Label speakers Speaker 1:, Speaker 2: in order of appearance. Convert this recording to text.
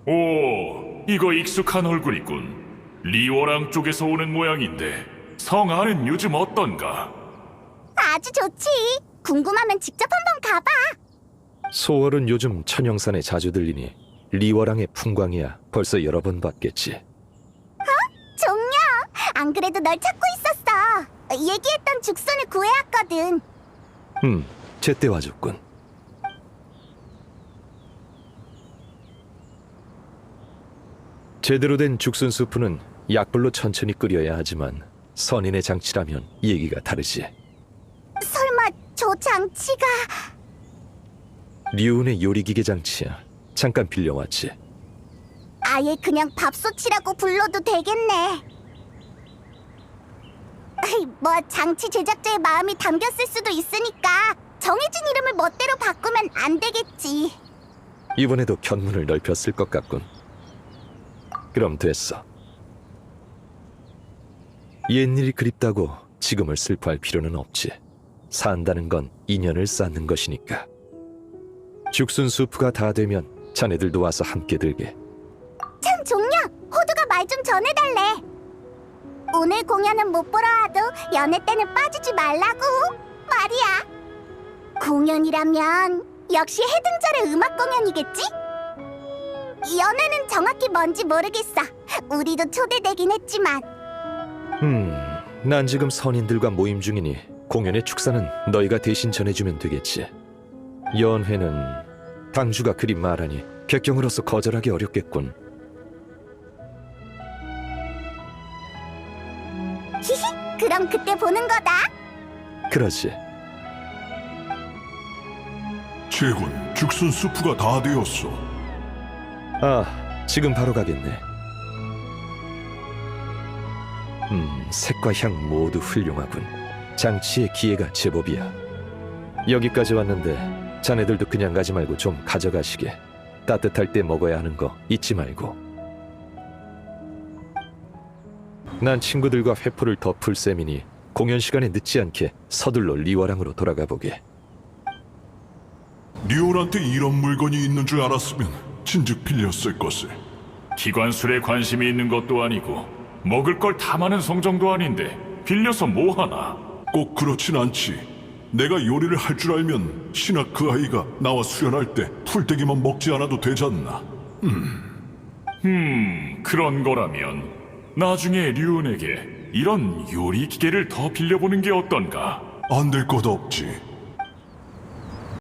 Speaker 1: 오, 이거 익숙한 얼굴이군. 리워랑 쪽에서 오는 모양인데 성 안은 요즘 어떤가?
Speaker 2: 아주 좋지. 궁금하면 직접 한번 가봐.
Speaker 3: 소월은 요즘 천영산에 자주 들리니 리워랑의 풍광이야 벌써 여러 번 봤겠지.
Speaker 2: 종려, 안 그래도 널 찾고 있었어. 얘기했던 죽순을 구해왔거든.
Speaker 3: 제때 와줬군. 제대로 된 죽순 수프는 약불로 천천히 끓여야 하지만 선인의 장치라면 얘기가 다르지.
Speaker 2: 설마 저 장치가...
Speaker 3: 리운의 요리기계 장치야. 잠깐 빌려왔지.
Speaker 2: 아예 그냥 밥솥이라고 불러도 되겠네. 뭐 장치 제작자의 마음이 담겼을 수도 있으니까 정해진 이름을 멋대로 바꾸면 안 되겠지.
Speaker 3: 이번에도 견문을 넓혔을 것 같군. 그럼 됐어. 옛일이 그립다고 지금을 슬퍼할 필요는 없지. 산다는 건 인연을 쌓는 것이니까. 죽순 수프가 다 되면 자네들도 와서 함께 들게.
Speaker 2: 참 종려, 호두가 말 좀 전해달래. 오늘 공연은 못 보러 와도 연애 때는 빠지지 말라고 말이야. 공연이라면 역시 해등절의 음악 공연이겠지? 연애는 정확히 뭔지 모르겠어. 우리도 초대되긴 했지만.
Speaker 3: 난 지금 선인들과 모임 중이니 공연의 축사는 너희가 대신 전해주면 되겠지. 연회는 당주가 그리 말하니 객경으로서 거절하기 어렵겠군.
Speaker 2: 히히, 그럼 그때 보는 거다.
Speaker 3: 그러지.
Speaker 4: 제군, 죽순 수프가 다 되었어.
Speaker 3: 아, 지금 바로 가겠네. 색과 향 모두 훌륭하군. 장치의 기회가 제법이야. 여기까지 왔는데 자네들도 그냥 가지 말고 좀 가져가시게. 따뜻할 때 먹어야 하는 거 잊지 말고. 난 친구들과 회포를 덮을 셈이니 공연 시간에 늦지 않게 서둘러 리워랑으로 돌아가 보게.
Speaker 4: 리온한테 이런 물건이 있는 줄 알았으면 진즉 빌렸을 것을.
Speaker 1: 기관술에 관심이 있는 것도 아니고 먹을 걸 탐하는 성정도 아닌데 빌려서 뭐하나?
Speaker 4: 꼭 그렇진 않지. 내가 요리를 할 줄 알면 신학 그 아이가 나와 수련할 때 풀떼기만 먹지 않아도 되잖나.
Speaker 1: 그런 거라면 나중에 류은에게 이런 요리 기계를 더 빌려보는 게 어떤가?
Speaker 4: 안 될 것 없지.